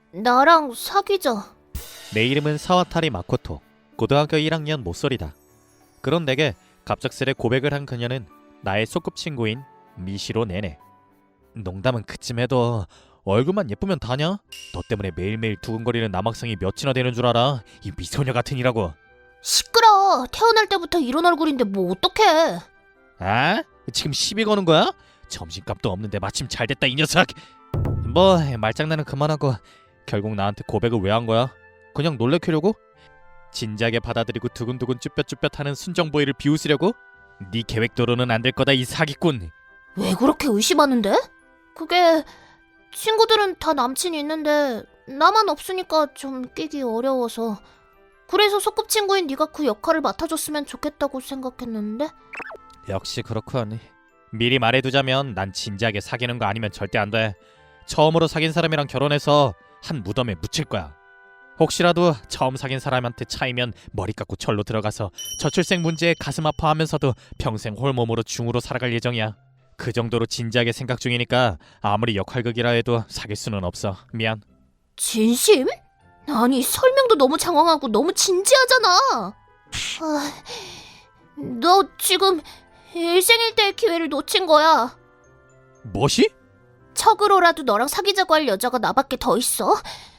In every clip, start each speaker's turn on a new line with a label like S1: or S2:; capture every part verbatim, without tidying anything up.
S1: 나랑 사귀자.
S2: 내 이름은 사와타리 마코토. 고등학교 일 학년 모쏠이다. 그런 내게 갑작스레 고백을 한 그녀는 나의 소꿉친구인 미시로 네네. 농담은 그쯤 해도 얼굴만 예쁘면 다냐? 너 때문에 매일매일 두근거리는 남학생이 몇이나 되는 줄 알아? 이 미소녀 같으니라고.
S1: 시끄러. 태어날 때부터 이런 얼굴인데 뭐 어떡해.
S2: 아? 지금 시비 거는 거야? 점심값도 없는데 마침 잘됐다 이 녀석. 뭐 말장난은 그만하고 결국 나한테 고백을 왜 한 거야? 그냥 놀래키려고? 진지하게 받아들이고 두근두근 쭈뼛쭈뼛하는 순정보이를 비웃으려고? 네 계획대로는 안 될 거다 이 사기꾼.
S1: 왜 그렇게 의심하는데? 그게 친구들은 다 남친이 있는데 나만 없으니까 좀 끼기 어려워서. 그래서 소꿉친구인 네가 그 역할을 맡아줬으면 좋겠다고 생각했는데.
S2: 역시 그렇군. 미리 말해두자면 난 진지하게 사귀는 거 아니면 절대 안 돼. 처음으로 사귄 사람이랑 결혼해서 한 무덤에 묻힐 거야. 혹시라도 처음 사귄 사람한테 차이면 머리 깎고 절로 들어가서 저출생 문제에 가슴 아파하면서도 평생 홀몸으로 중으로 살아갈 예정이야. 그 정도로 진지하게 생각 중이니까 아무리 역할극이라 해도 사귈 수는 없어. 미안.
S1: 진심? 아니 설명도 너무 장황하고 너무 진지하잖아. 아, 너 지금 일생일대의 기회를 놓친 거야.
S2: 뭐시?
S1: 척으로라도 너랑 사귀자고 할 여자가 나밖에 더 있어?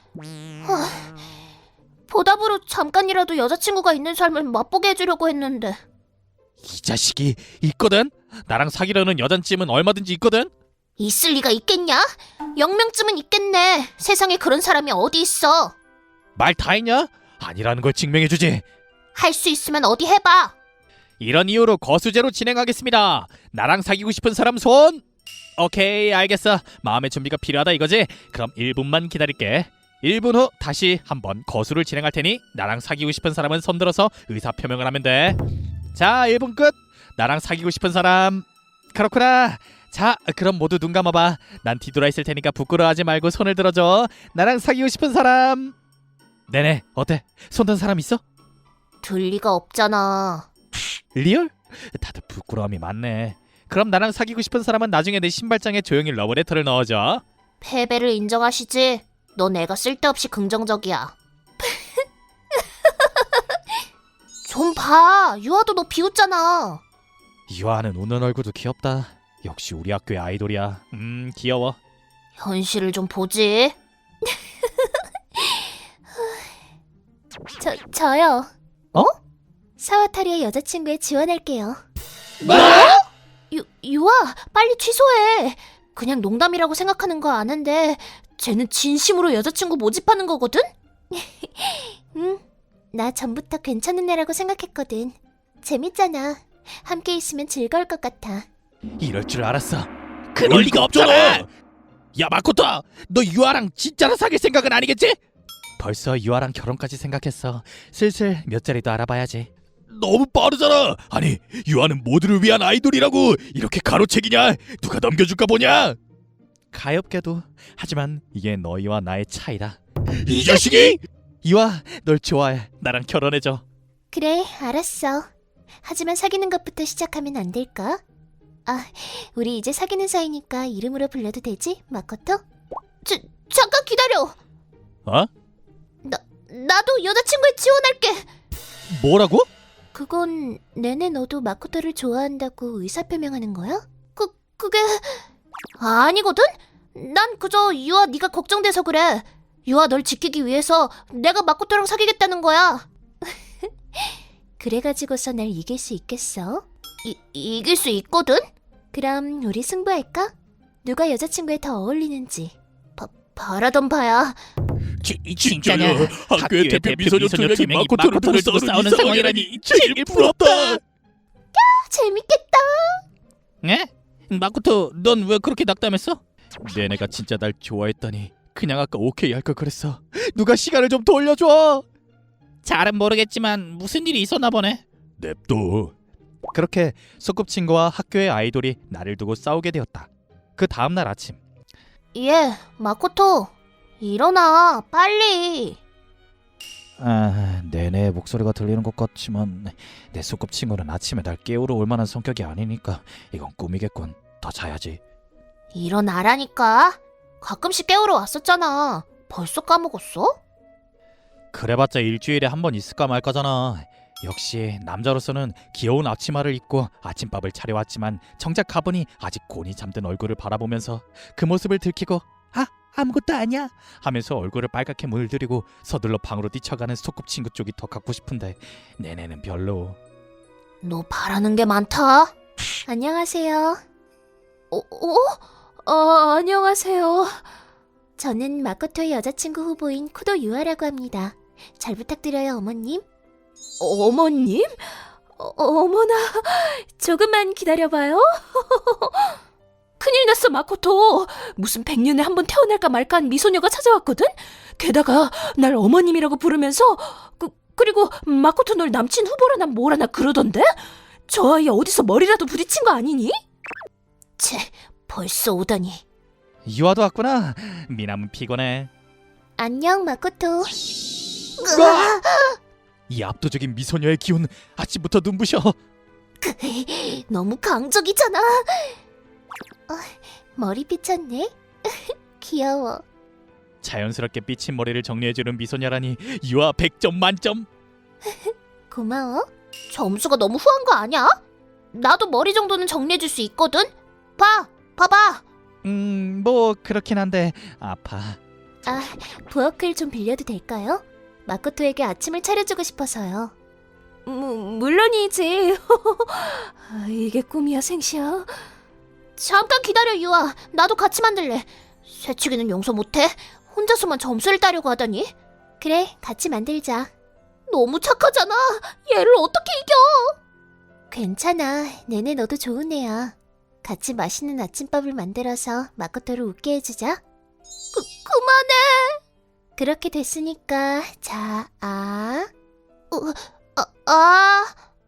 S1: 아, 보답으로 잠깐이라도 여자친구가 있는 삶을 맛보게 해주려고 했는데.
S2: 이 자식이 있거든? 나랑 사귀려는 여잔쯤은 얼마든지 있거든?
S1: 있을 리가 있겠냐? 영명쯤은 있겠네. 세상에 그런 사람이 어디 있어.
S2: 말 다 했냐? 아니라는 걸 증명해주지.
S1: 할 수 있으면 어디 해봐.
S2: 이런 이유로 거수제로 진행하겠습니다. 나랑 사귀고 싶은 사람 손! 오케이 알겠어. 마음의 준비가 필요하다 이거지? 그럼 일 분만 기다릴게. 일 분 후 다시 한번 거수를 진행할 테니 나랑 사귀고 싶은 사람은 손들어서 의사표명을 하면 돼. 자 일 분 끝. 나랑 사귀고 싶은 사람. 그렇구나. 자 그럼 모두 눈 감아봐. 난 뒤돌아 있을 테니까 부끄러워하지 말고 손을 들어줘. 나랑 사귀고 싶은 사람. 네네 어때? 손 든 사람 있어?
S1: 들 리가 없잖아.
S2: 리얼? 다들 부끄러움이 많네. 그럼 나랑 사귀고 싶은 사람은 나중에 내 신발장에 조용히 러브레터를 넣어줘.
S1: 패배를 인정하시지? 너 내가 쓸데없이 긍정적이야. 좀 봐. 유아도 너 비웃잖아.
S2: 유아는 웃는 얼굴도 귀엽다. 역시 우리 학교의 아이돌이야. 음 귀여워.
S1: 현실을 좀 보지. 저, 저요.
S2: 어?
S1: 사와타리의 여자친구에 지원할게요.
S2: 뭐?
S1: 유, 유아, 빨리 취소해. 그냥 농담이라고 생각하는 거 아는데 쟤는 진심으로 여자친구 모집하는 거거든? 응, 나 전부터 괜찮은 애라고 생각했거든. 재밌잖아. 함께 있으면 즐거울 것 같아.
S2: 이럴 줄 알았어. 그럴 리가 없잖아. 야 마코토, 너 유아랑 진짜로 사귈 생각은 아니겠지? 벌써 유아랑 결혼까지 생각했어. 슬슬 몇 자리도 알아봐야지. 너무 빠르잖아. 아니 유아는 모두를 위한 아이돌이라고. 이렇게 가로채기냐? 누가 넘겨줄까 보냐? 가엾게도. 하지만 이게 너희와 나의 차이다. 이 자식이! 유아 널 좋아해. 나랑 결혼해줘.
S1: 그래, 알았어. 하지만 사귀는 것부터 시작하면 안 될까? 아, 우리 이제 사귀는 사이니까 이름으로 불러도 되지, 마코토? 자, 잠깐 기다려.
S2: 어?
S1: 나, 나도 여자친구에 지원할게.
S2: 뭐라고?
S1: 그건 내내 너도 마코토를 좋아한다고 의사표명하는 거야? 그, 그게... 아니거든? 난 그저 유아 네가 걱정돼서 그래. 유아 널 지키기 위해서 내가 마코토랑 사귀겠다는 거야. 그래가지고서 날 이길 수 있겠어? 이, 이길 수 있거든? 그럼 우리 승부할까? 누가 여자친구에 더 어울리는지. 바, 바라던 바야.
S2: 지,
S3: 진짜냐?
S2: 학교의 대표 미소녀 두 명이 마코토를 두고
S3: 두고
S2: 싸우는 상황이라니 제일 부럽다.
S1: 재밌겠다.
S2: 에? 마코토 넌 왜 그렇게 낙담했어? 내내가 진짜 날 좋아했더니 그냥 아까 오케이 할 걸 그랬어. 누가 시간을 좀 돌려줘. 잘은 모르겠지만 무슨 일이 있었나 보네. 냅둬. 그렇게 소꿉친구와 학교의 아이돌이 나를 두고 싸우게 되었다. 그 다음날 아침.
S1: 예, 마코토. 일어나, 빨리.
S2: 아, 내내 목소리가 들리는 것 같지만 내 소꿉친구는 아침에 날 깨우러 올 만한 성격이 아니니까 이건 꿈이겠군. 더 자야지.
S1: 일어나라니까. 가끔씩 깨우러 왔었잖아. 벌써 까먹었어?
S2: 그래봤자 일주일에 한 번 있을까 말까잖아. 역시 남자로서는 귀여운 앞치마를 입고 아침밥을 차려왔지만 정작 가보니 아직 곤히 잠든 얼굴을 바라보면서 그 모습을 들키고 아 아무것도 아니야 하면서 얼굴을 빨갛게 물들이고 서둘러 방으로 뛰쳐가는 소꿉친구 쪽이 더 갖고 싶은데 내내는 별로.
S1: 너 바라는 게 많다. 안녕하세요. 어? 어? 어, 안녕하세요. 저는 마코토의 여자친구 후보인 쿠도 유아라고 합니다. 잘 부탁드려요, 어머님. 어머님? 어, 어머나, 조금만 기다려봐요. 큰일 났어, 마코토. 무슨 백년에 한 번 태어날까 말까한 미소녀가 찾아왔거든? 게다가 날 어머님이라고 부르면서 그, 그리고 마코토 널 남친 후보라나 뭐라나 그러던데? 저 아이 어디서 머리라도 부딪힌 거 아니니? 채, 벌써 오다니.
S2: 유아도 왔구나. 미남은 피곤해.
S1: 안녕, 마코토.
S2: 이 압도적인 미소녀의 기운 아침부터 눈부셔.
S1: 너무 강적이잖아. 어, 머리 삐쳤네. 귀여워.
S2: 자연스럽게 삐친 머리를 정리해주는 미소녀라니 유아 백 점 만점.
S1: 고마워. 점수가 너무 후한 거 아니야? 나도 머리 정도는 정리해줄 수 있거든. 봐, 봐봐.
S2: 음, 뭐 그렇긴 한데 아파.
S1: 아, 부엌을 좀 빌려도 될까요? 마코토에게 아침을 차려주고 싶어서요. 무, 물론이지. 아, 이게 꿈이야, 생시야. 잠깐 기다려, 유아. 나도 같이 만들래. 새치기는 용서 못해. 혼자서만 점수를 따려고 하다니. 그래, 같이 만들자. 너무 착하잖아. 얘를 어떻게 이겨? 괜찮아. 내내 너도 좋은 애야. 같이 맛있는 아침밥을 만들어서 마코토를 웃게 해주자. 그, 그만해. 그렇게 됐으니까 자, 아, 어, 아, 아.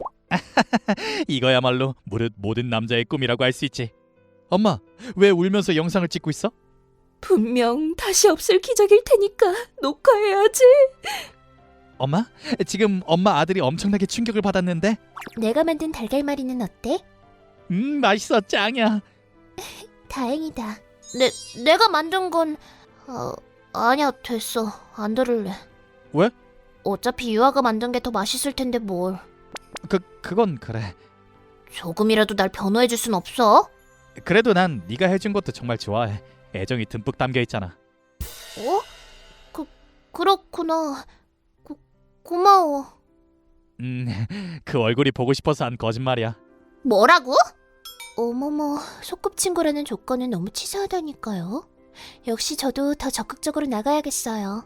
S2: 이거야말로 무릇 모든 남자의 꿈이라고 할 수 있지. 엄마, 왜 울면서 영상을 찍고 있어?
S1: 분명 다시 없을 기적일 테니까 녹화해야지.
S2: 엄마, 지금 엄마 아들이 엄청나게 충격을 받았는데.
S1: 내가 만든 달걀말이는 어때?
S2: 음, 맛있어, 짱이야.
S1: 다행이다. 내, 내가 만든 건 어, 아니야, 됐어. 안 들을래.
S2: 왜?
S1: 어차피 유아가 만든 게 더 맛있을 텐데 뭘.
S2: 그, 그건 그래.
S1: 조금이라도 날 변호해줄 순 없어?
S2: 그래도 난 네가 해준 것도 정말 좋아해. 애정이 듬뿍 담겨 있잖아.
S1: 어? 그, 그렇구나. 고, 고마워.
S2: 음, 그 얼굴이 보고 싶어서 한 거짓말이야.
S1: 뭐라고? 어머머, 소꿉친구라는 조건은 너무 치사하다니까요. 역시 저도 더 적극적으로 나가야겠어요.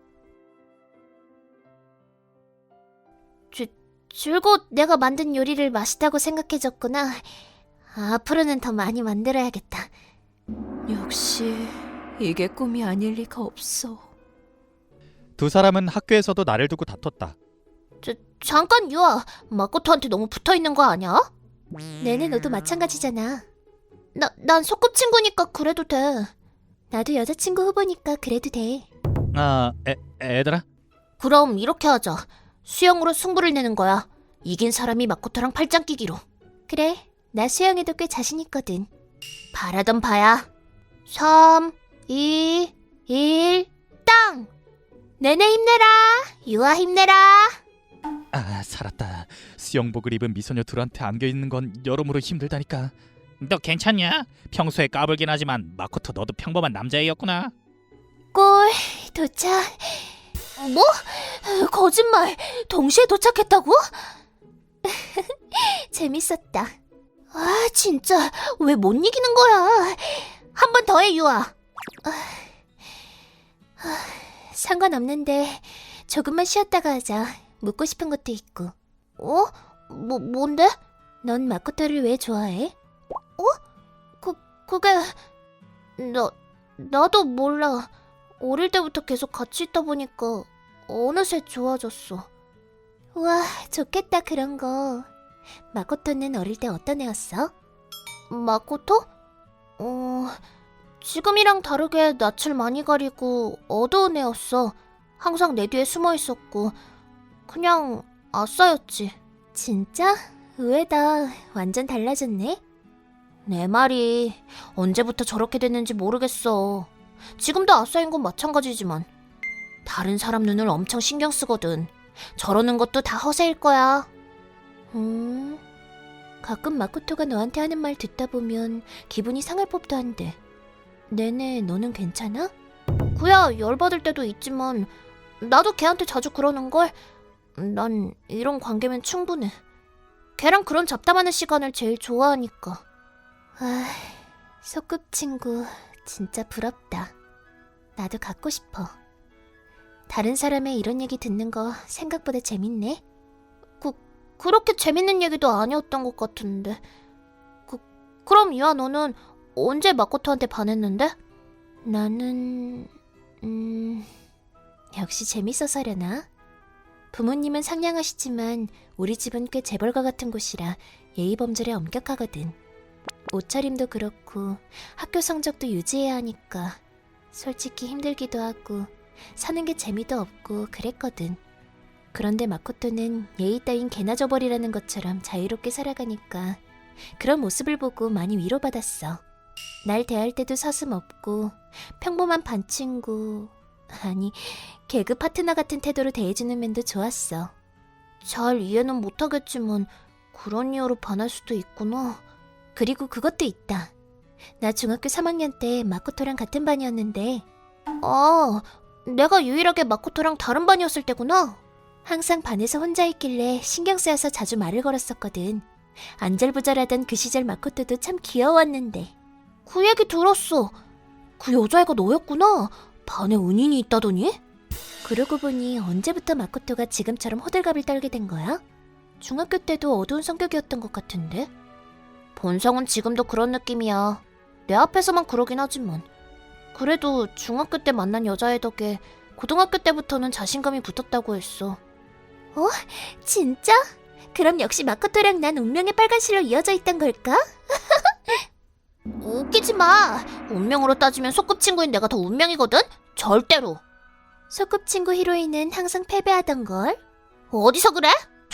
S1: 줄, 줄곧 내가 만든 요리를 맛있다고 생각해줬구나. 앞으로는 더 많이 만들어야겠다. 역시 이게 꿈이 아닐 리가 없어.
S2: 두 사람은 학교에서도 나를 두고 다퉜다.
S1: 저, 잠깐 유아, 마코토한테 너무 붙어있는 거 아니야? 내내 너도 마찬가지잖아. 나, 난 소꿉친구니까 그래도 돼. 나도 여자친구 후보니까 그래도 돼.
S2: 아, 애, 애들아?
S1: 그럼 이렇게 하자. 수영으로 승부를 내는 거야. 이긴 사람이 마코토랑 팔짱 끼기로. 그래, 나 수영에도 꽤 자신 있거든. 바라던 바야. 삼, 이, 일, 땅! 내내 힘내라. 유아 힘내라.
S2: 아, 살았다. 수영복을 입은 미소녀 둘한테 안겨있는 건 여러모로 힘들다니까. 너 괜찮냐? 평소에 까불긴 하지만 마코토 너도 평범한 남자애였구나.
S1: 골 도착. 뭐? 거짓말. 동시에 도착했다고? 재밌었다. 아, 진짜 왜 못 이기는 거야? 한 번 더 해, 유아. 아, 아, 상관없는데 조금만 쉬었다가 하자. 묻고 싶은 것도 있고. 어? 뭐, 뭔데? 넌 마코토를 왜 좋아해? 어? 그, 그게... 나, 나도 몰라. 어릴 때부터 계속 같이 있다 보니까 어느새 좋아졌어. 우와, 좋겠다 그런 거. 마코토는 어릴 때 어떤 애였어? 마코토? 어... 지금이랑 다르게 낯을 많이 가리고 어두운 애였어. 항상 내 뒤에 숨어 있었고 그냥 아싸였지. 진짜? 의외다. 완전 달라졌네. 내 말이 언제부터 저렇게 됐는지 모르겠어. 지금도 아싸인 건 마찬가지지만 다른 사람 눈을 엄청 신경 쓰거든. 저러는 것도 다 허세일 거야. 음, 가끔 마코토가 너한테 하는 말 듣다 보면 기분이 상할 법도 한데. 네네, 너는 괜찮아? 그야 열받을 때도 있지만 나도 걔한테 자주 그러는걸. 난 이런 관계면 충분해. 걔랑 그런 잡담하는 시간을 제일 좋아하니까. 아, 소꿉친구 진짜 부럽다. 나도 갖고 싶어. 다른 사람의 이런 얘기 듣는 거 생각보다 재밌네. 그, 그렇게 재밌는 얘기도 아니었던 것 같은데. 그, 그럼 유아 너는 언제 마코토한테 반했는데? 나는... 음... 역시 재밌어서려나? 부모님은 상냥하시지만 우리 집은 꽤 재벌가 같은 곳이라 예의범절에 엄격하거든. 옷차림도 그렇고 학교 성적도 유지해야 하니까 솔직히 힘들기도 하고 사는 게 재미도 없고 그랬거든. 그런데 마코토는 예의 따윈 개나 줘버리라는 것처럼 자유롭게 살아가니까 그런 모습을 보고 많이 위로받았어. 날 대할 때도 서슴없고 평범한 반 친구, 아니 개그 파트너 같은 태도로 대해주는 면도 좋았어. 잘 이해는 못하겠지만 그런 이유로 반할 수도 있구나. 그리고 그것도 있다. 나 중학교 삼 학년 때 마코토랑 같은 반이었는데 아, 내가 유일하게 마코토랑 다른 반이었을 때구나. 항상 반에서 혼자 있길래 신경 쓰여서 자주 말을 걸었었거든. 안절부절하던 그 시절 마코토도 참 귀여웠는데. 그 얘기 들었어. 그 여자애가 너였구나. 반에 은인이 있다더니? 그러고 보니 언제부터 마코토가 지금처럼 호들갑을 떨게 된 거야? 중학교 때도 어두운 성격이었던 것 같은데? 본성은 지금도 그런 느낌이야. 내 앞에서만 그러긴 하지만. 그래도 중학교 때 만난 여자애 덕에 고등학교 때부터는 자신감이 붙었다고 했어. 어? 진짜? 그럼 역시 마코토랑 난 운명의 빨간실로 이어져 있던 걸까? 웃기지 마. 운명으로 따지면 소꿉친구인 내가 더 운명이거든? 절대로. 소꿉친구 히로인은 항상 패배하던 걸. 어디서 그래?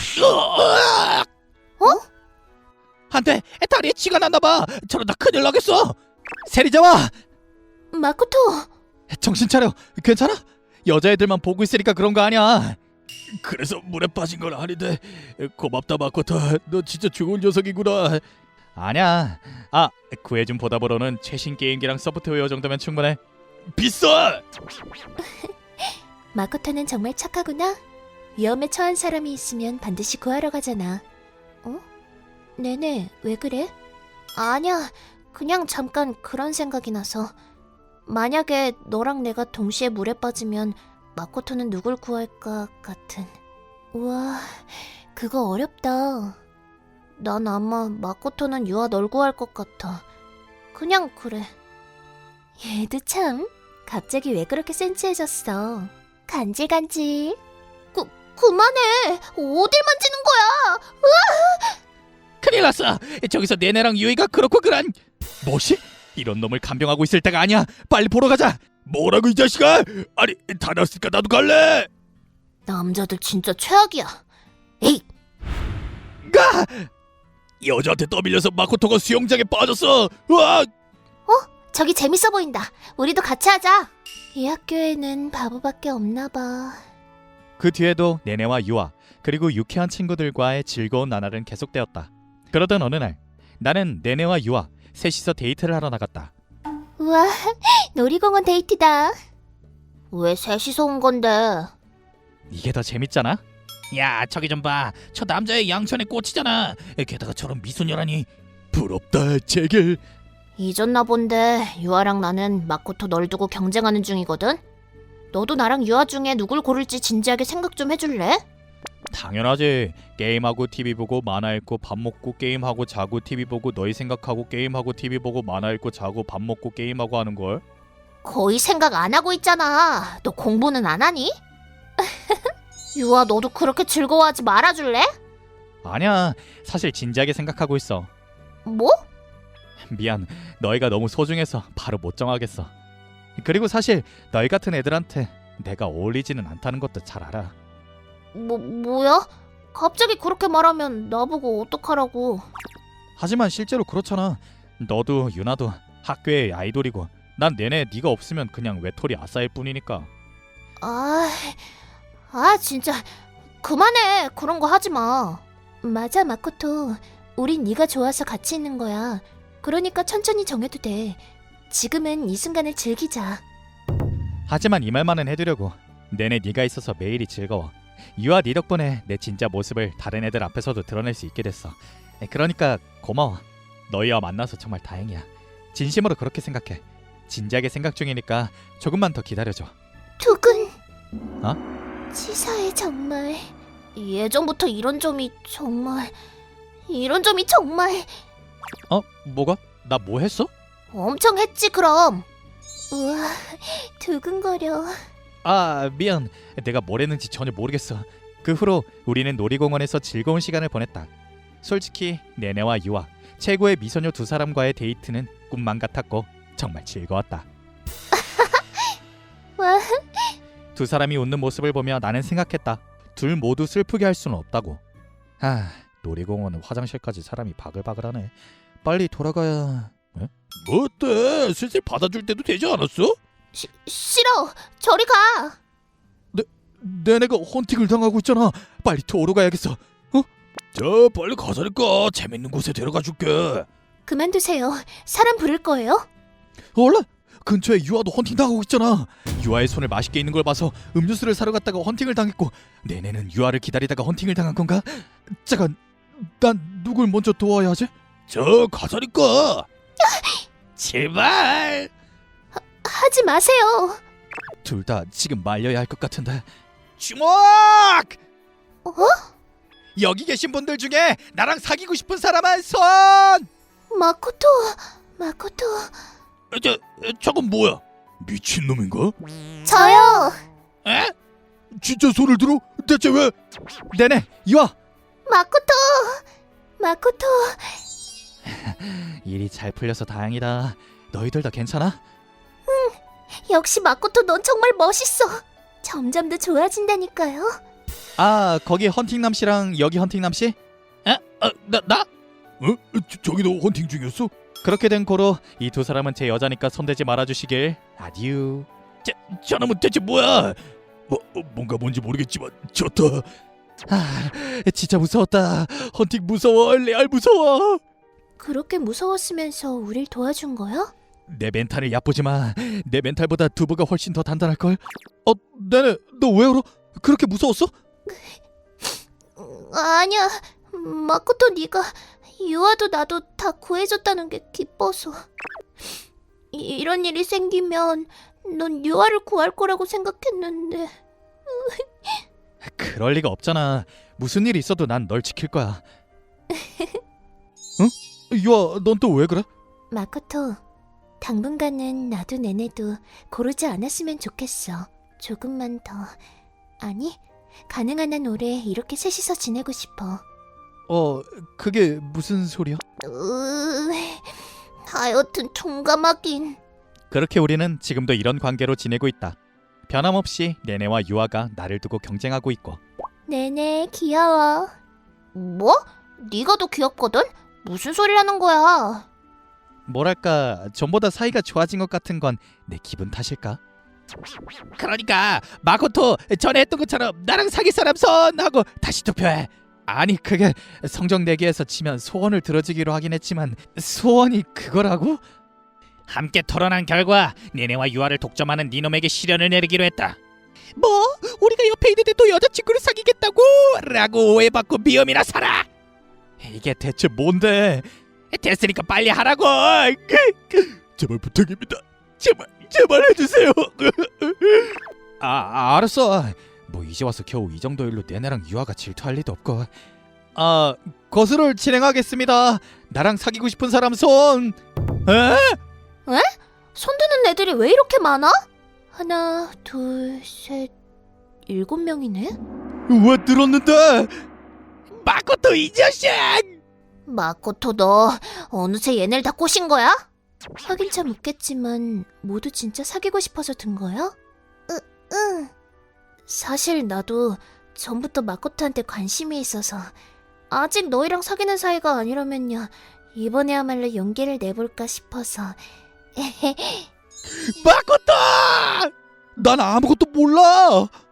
S1: 어?
S2: 안돼, 다리에 쥐가 났나봐. 저러다 큰일 나겠어. 세리 잡아.
S1: 마코토.
S2: 정신 차려. 괜찮아? 여자애들만 보고 있으니까 그런 거 아니야. 그래서 물에 빠진 건 아닌데. 고맙다 마코토. 너 진짜 좋은 녀석이구나. 아니야. 아, 구해준 보답으로는 최신 게임기랑 소프트웨어 정도면 충분해. 비싸.
S1: 마코토는 정말 착하구나. 위험에 처한 사람이 있으면 반드시 구하러 가잖아. 어? 네네, 왜 그래? 아니야, 그냥 잠깐 그런 생각이 나서. 만약에 너랑 내가 동시에 물에 빠지면 마코토는 누굴 구할까 같은. 우와, 그거 어렵다. 난 아마 마코토는 유아 널 구할 것 같아. 그냥 그래. 얘도 참, 갑자기 왜 그렇게 센치해졌어. 간질간질. 그, 그만해. 어딜 만지는 거야.
S2: 큰일 났어. 저기서 내내랑 유이가 그렇고 그란. 뭐시? 이런 놈을 간병하고 있을 때가 아니야. 빨리 보러 가자. 뭐라고 이 자식아? 아니, 다 났으니까 나도 갈래.
S1: 남자들 진짜 최악이야. 에이!
S2: 가! 여자한테 떠밀려서 마코토가 수영장에 빠졌어. 와!
S1: 저기 재밌어 보인다. 우리도 같이 하자. 이 학교에는 바보밖에 없나 봐.
S2: 그 뒤에도 네네와 유아 그리고 유쾌한 친구들과의 즐거운 나날은 계속되었다. 그러던 어느 날 나는 네네와 유아 셋이서 데이트를 하러 나갔다.
S1: 우와, 놀이공원 데이트다. 왜 셋이서 온 건데?
S2: 이게 더 재밌잖아. 야, 저기 좀 봐. 저 남자의 양천에 꽂히잖아. 게다가 저런 미소녀라니. 부럽다, 제길.
S1: 잊었나 본데 유아랑 나는 마코토 널 두고 경쟁하는 중이거든? 너도 나랑 유아 중에 누굴 고를지 진지하게 생각 좀 해줄래?
S2: 당연하지. 게임하고 티비 보고 만화 읽고 밥 먹고 게임하고 자고 티비 보고 너희 생각하고 게임하고 티비 보고 만화 읽고 자고 밥 먹고 게임하고 하는걸.
S1: 거의 생각 안 하고 있잖아. 너 공부는 안 하니? 유아, 너도 그렇게 즐거워하지 말아줄래?
S2: 아니야. 사실 진지하게 생각하고 있어.
S1: 뭐?
S2: 미안. 너희가 너무 소중해서 바로 못 정하겠어. 그리고 사실 너희 같은 애들한테 내가 어울리지는 않다는 것도 잘 알아.
S1: 뭐, 뭐야? 갑자기 그렇게 말하면 나보고 어떡하라고.
S2: 하지만 실제로 그렇잖아. 너도 유나도 학교의 아이돌이고 난 내내 네가 없으면 그냥 외톨이 아싸일 뿐이니까.
S1: 아, 아 진짜 그만해. 그런 거 하지 마. 맞아, 마코토. 우린 네가 좋아서 같이 있는 거야. 그러니까 천천히 정해도 돼. 지금은 이 순간을 즐기자.
S2: 하지만 이 말만은 해두려고. 내내 네가 있어서 매일이 즐거워. 유아 네 덕분에 내 진짜 모습을 다른 애들 앞에서도 드러낼 수 있게 됐어. 그러니까 고마워. 너희와 만나서 정말 다행이야. 진심으로 그렇게 생각해. 진지하게 생각 중이니까 조금만 더 기다려줘.
S1: 두근.
S2: 어?
S1: 치사해 정말. 예전부터 이런 점이 정말 이런 점이 정말
S2: 어? 뭐가? 나 뭐 했어?
S1: 엄청 했지 그럼. 우와, 두근거려.
S2: 아 미안. 내가 뭘 했는지 전혀 모르겠어. 그 후로 우리는 놀이공원에서 즐거운 시간을 보냈다. 솔직히 네네와 유아 최고의 미소녀 두 사람과의 데이트는 꿈만 같았고 정말 즐거웠다.
S1: 와,
S2: 두 사람이 웃는 모습을 보며 나는 생각했다. 둘 모두 슬프게 할 수는 없다고. 아, 놀이공원은 화장실까지 사람이 바글바글하네. 빨리 돌아가야. 에? 뭐 어때? 슬슬 받아줄 때도 되지 않았어?
S1: 시, 싫어. 저리 가.
S2: 내내가 헌팅을 당하고 있잖아. 빨리 도로 가야겠어. 어? 저 빨리 가자니까. 재밌는 곳에 데려가 줄게.
S1: 그만두세요. 사람 부를 거예요?
S2: 원래 근처에 유아도 헌팅 당하고 있잖아. 유아의 손을 맛있게 있는 걸 봐서 음료수를 사러 갔다가 헌팅을 당했고, 내내는 유아를 기다리다가 헌팅을 당한 건가? 잠깐, 난 누굴 먼저 도와야 하지? 저 가자니까. 제발.
S1: 하지 마세요.
S2: 둘 다 지금 말려야 할 것 같은데. 주목!
S1: 어?
S2: 여기 계신 분들 중에 나랑 사귀고 싶은 사람은 손!
S1: 마코토, 마코토.
S2: 저, 저건 뭐야? 미친놈인가?
S1: 저요.
S2: 에? 진짜 손을 들어? 대체 왜? 네네, 이와!
S1: 마코토, 마코토.
S2: 일이 잘 풀려서 다행이다. 너희들 다 괜찮아?
S1: 역시 마코토 넌 정말 멋있어. 점점 더 좋아진다니까요.
S2: 아, 거기 헌팅남 씨랑 여기 헌팅남 씨? 에? 어, 나, 나? 어? 저, 저기도 헌팅 중이었어? 그렇게 된 고로 이 두 사람은 제 여자니까 손대지 말아주시길. 아디우. 저, 저놈은 대체 뭐야? 뭐, 뭔가 뭔지 모르겠지만 좋다. 아, 진짜 무서웠다. 헌팅 무서워. 레알 무서워.
S1: 그렇게 무서웠으면서 우릴 도와준 거야?
S2: 내 멘탈을 얕보지 마. 내 멘탈보다 두부가 훨씬 더 단단할걸. 어, 네네. 너 왜 울어? 그렇게 무서웠어?
S1: 아니야. 마코토 네가 유아도 나도 다 구해줬다는 게 기뻐서. 이- 이런 일이 생기면 넌 유아를 구할 거라고 생각했는데.
S2: 그럴 리가 없잖아. 무슨 일이 있어도 난 널 지킬 거야. 응? 유아, 넌 또 왜 그래?
S1: 마코토, 당분간은 나도 내내도 고르지 않았으면 좋겠어. 조금만 더. 아니, 가능한 한 오래 이렇게 셋이서 지내고 싶어.
S2: 어, 그게 무슨 소리야?
S1: 으... 하여튼 통감하긴.
S2: 그렇게 우리는 지금도 이런 관계로 지내고 있다. 변함없이 네네와 유아가 나를 두고 경쟁하고 있고.
S1: 네네, 귀여워. 뭐? 네가 더 귀엽거든? 무슨 소리를 하는 거야?
S2: 뭐랄까, 전보다 사이가 좋아진 것 같은 건 내 기분 탓일까? 그러니까 마코토 전에 했던 것처럼 나랑 사귈 사람 손 하고 다시 투표해. 아니, 그게 성적 내기에서 치면 소원을 들어주기로 하긴 했지만 소원이 그거라고? 함께 토론한 결과 네네와 유아를 독점하는 니놈에게 시련을 내리기로 했다. 뭐? 우리가 옆에 있는데 또 여자친구를 사귀겠다고? 라고 오해받고 미움이나 살아. 이게 대체 뭔데? 됐으니까 빨리 하라고. 제발 부탁입니다. 제발 제발 해주세요. 아, 아 알았어. 뭐 이제 와서 겨우 이 정도 일로 내내랑 유아가 질투할 리도 없고. 아, 거스를 진행하겠습니다. 나랑 사귀고 싶은 사람 손. 에?
S1: 손드는 애들이 왜 이렇게 많아? 하나, 둘, 셋, 일곱 명이네?
S2: 왜 늘었는데? 마코토 이 자식!
S1: 마코토 너 어느새 얘네를 다 꼬신 거야? 하긴 참 웃겠지만 모두 진짜 사귀고 싶어서 든 거야? 으, 응. 사실 나도 전부터 마코토한테 관심이 있어서 아직 너희랑 사귀는 사이가 아니라면요 이번에야말로 용기를 내볼까 싶어서
S2: 마코토! 난 아무것도 몰라.